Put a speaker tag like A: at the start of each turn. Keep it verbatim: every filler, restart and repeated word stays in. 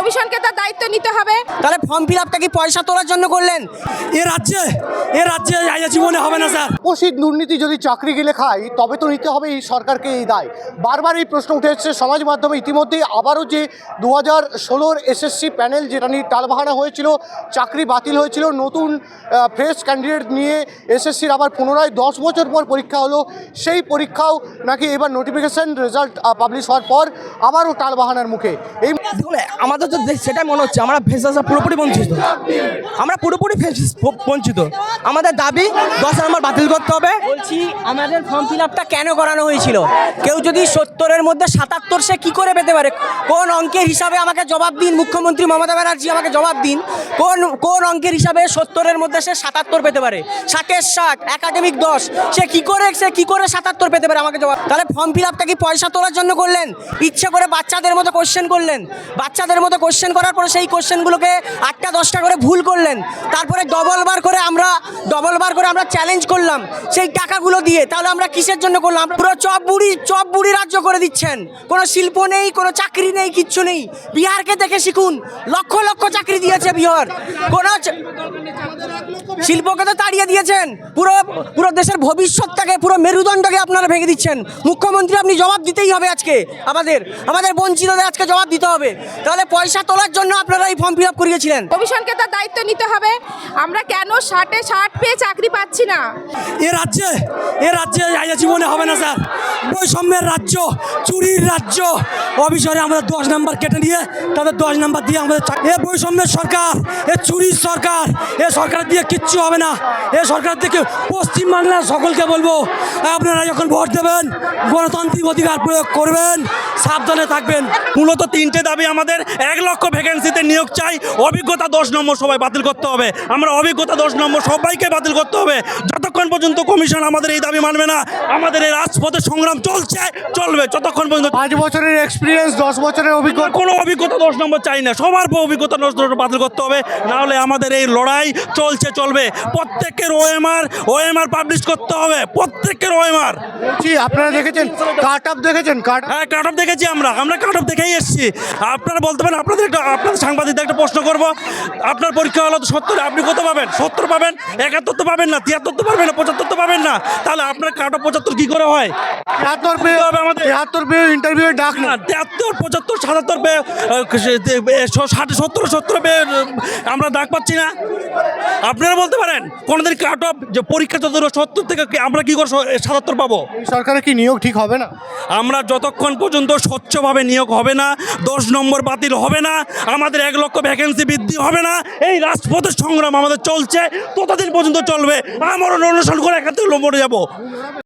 A: কমিশনকে তার দায়িত্ব নিতে হবে।
B: তাহলে ফর্ম ফিল আপটা কি পয়সা তোলার জন্য করলেন?
C: এ রাজ্যে এ রাজ্যে আইয়া জীবনে হবে না স্যার।
D: উপস্থিত দুর্নীতি যদি চাকরি গেলে খায় তবে তো নিতে হবে এই সরকারকে এই দায়। বারবার এই প্রশ্ন উঠে এসছে সমাজ মাধ্যমে। ইতিমধ্যেই আবারও যে দু হাজার ষোলোর এসএসসি প্যানেল যেটা নিয়ে টালবাহানা হয়েছিল, চাকরি বাতিল হয়েছিল, নতুন ফ্রেশ ক্যান্ডিডেট নিয়ে এসএসসির আবার পুনরায় দশ বছর পর পরীক্ষা হলো। সেই পরীক্ষাও নাকি এবার নোটিফিকেশন রেজাল্ট পাবলিশ হওয়ার পর আবারও টালবাহানার মুখে। এই
B: আমাদের তো সেটাই মনে হচ্ছে আমরা ফেসা পুরোপুরি বঞ্চিত, আমরা পুরোপুরি বঞ্চিত। আমাদের দাবি দশ নম্বর বাতিল করতে হবে। বলছি আমাদের ফর্ম ফিল আপটা কেন করানো হয়েছিল? কেউ যদি সত্তরের মধ্যে সাতাত্তর সে কী করে পেতে পারে? কোন অঙ্কের হিসাবে আমাকে জবাব দিন, মুখ্যমন্ত্রী মমতা ব্যানার্জি আমাকে জবাব দিন। কোন কোন অঙ্কের হিসাবে সত্তরের মধ্যে সে সাতাত্তর পেতে পারে? ষাটের ষাট, একাডেমিক দশ, সে কী করে সে কী করে সাতাত্তর পেতে পারে? আমাকে জবাব। তাহলে ফর্ম ফিল আপটা কি পয়সা তোলার জন্য করলেন? ইচ্ছে করে বাচ্চাদের মতো কোশ্চেন করলেন, বাচ্চাদের মতো কোশ্চেন করার পরে সেই কোশ্চেনগুলোকে আটটা দশটা করে ভুল করলেন, তারপরে ডবল বার করে আমরা ডবল বার করে আমরা চ্যালেঞ্জ করলাম সেই টাকাগুলো দিয়ে। তাহলে আমরা কিসের জন্য করলাম? পুরো চপ বুড়ি চপ বুড়ি রাজ্য করে দিচ্ছেন। কোনো শিল্প নেই, কোনো চাকরি নেই, কিচ্ছু নেই। বিহারকে দেখে শিখুন, লক্ষ লক্ষ চাকরি দিয়েছে বিহার। কোনো শিল্পকে তো তাড়িয়ে দিয়েছেন। পুরো পুরো দেশের ভবিষ্যৎটাকে, পুরো মেরুদণ্ডকে আপনারা ভেঙে দিচ্ছেন। মুখ্যমন্ত্রী আপনি জবাব দিতেই হবে আজকে। আমাদের আমাদের বঞ্চিতদের আজকে জবাব দিতে হবে। তাহলে পয়সা তোলার জন্য আপনারা এই ফর্ম ফিল আপ করিয়েছিলেন।
A: কমিশনকে তার দায়িত্ব নিতে হবে। আমরা কেন ষাটে ষাট পেয়ে চাকরি পাচ্ছি না?
C: এ রাজ্যে এ রাজ্যে আইয়া জীবনে হবে না স্যার। বৈষম্যের রাজ্য, চুরির রাজ্য। অবিচারে আমাদের দশ নাম্বার কেটে নিয়ে তাদের দশ নাম্বার দিয়ে আমাদের এ বৈষম্যের সরকার, এ চুরির সরকার, এ সরকার দিয়ে কিচ্ছু হবে না। এ সরকার থেকে পশ্চিমবাংলার সকলকে বলবো, আপনারা যখন ভোট দেবেন গণতান্ত্রিক অধিকার প্রয়োগ করবেন, সাবধানে থাকবেন।
E: মূলত তিনটে দাবি আমাদের। এক লক্ষ ভ্যাকেন্সিতে নিয়োগ চাই, অভিজ্ঞতা দশ নম্বর সবাই বাতিল করতে হবে। আমরা অভিজ্ঞতা দশ নম্বর সবাইকে বাতিল করতে হবে। যতক্ষণ পর্যন্ত কমিশন আমাদের এই দাবি মানবে না, আমাদের এই রাজপথে সংগ্রাম চলছে চলবে যতক্ষণ পর্যন্ত।
D: পাঁচ বছরের এক্সপিরিয়েন্স, দশ বছরের অভিজ্ঞতা,
E: কোনো অভিজ্ঞতা দশ নম্বর চাই না, সবার অভিজ্ঞতা দশ নম্বর বাতিল করতে হবে। নাহলে আমাদের এই লড়াই চলছে চলবে। প্রত্যেকের ওএমআর ওএমআর পাবলিশ করতে হবে, প্রত্যেকের ওএমআর।
D: বলছি আপনারা দেখেছেন কাট আপ, দেখেছেন কাট
E: হ্যাঁ কাট অফ দেখেছি আমরা আমরা কাট অফ দেখেই এসেছি। আপনারা বলতে পারেন, আপনাদের একটা আপনাদের সাংবাদিকদের একটা প্রশ্ন করব, আপনার পরীক্ষা হলো তো সত্তর, আপনি কত পাবেন? সত্তর পাবেন, একাত্তর তো পাবেন না, তিয়াত্তর তো পাবেন না, পঁচাত্তর তো পাবেন না। তাহলে আপনার কাট অফ পঁচাত্তর কী করে হয়?
D: তিয়াত্তর পেয়ে
E: হবে আমাদের
D: তিয়াত্তর পেয়ে ইন্টারভিউ ডাক না,
E: না তিয়াত্তর পঁচাত্তর সাতাত্তর পেয়ে ষাট সত্তর সত্তর পেয়ে আমরা ডাক পাচ্ছি না। আপনারা বলতে পারেন কোনোদিন কাট অফ যে পরীক্ষা যত সত্তর থেকে আমরা কী করে সাতাত্তর পাবো?
D: সরকারের কি নিয়োগ ঠিক হবে না?
E: আমরা যতক্ষণ পর্যন্ত স্বচ্ছভাবে নিয়োগ হবে না, দশ নম্বর বাতিল হবে না, আমাদের এক লক্ষ ভ্যাকেন্সি বৃদ্ধি হবে না, এই রাজপথের সংগ্রাম আমাদের চলছে, ততদিন পর্যন্ত চলবে। আমরা অনুসরণ করে এখান থেকে মরে যাবো।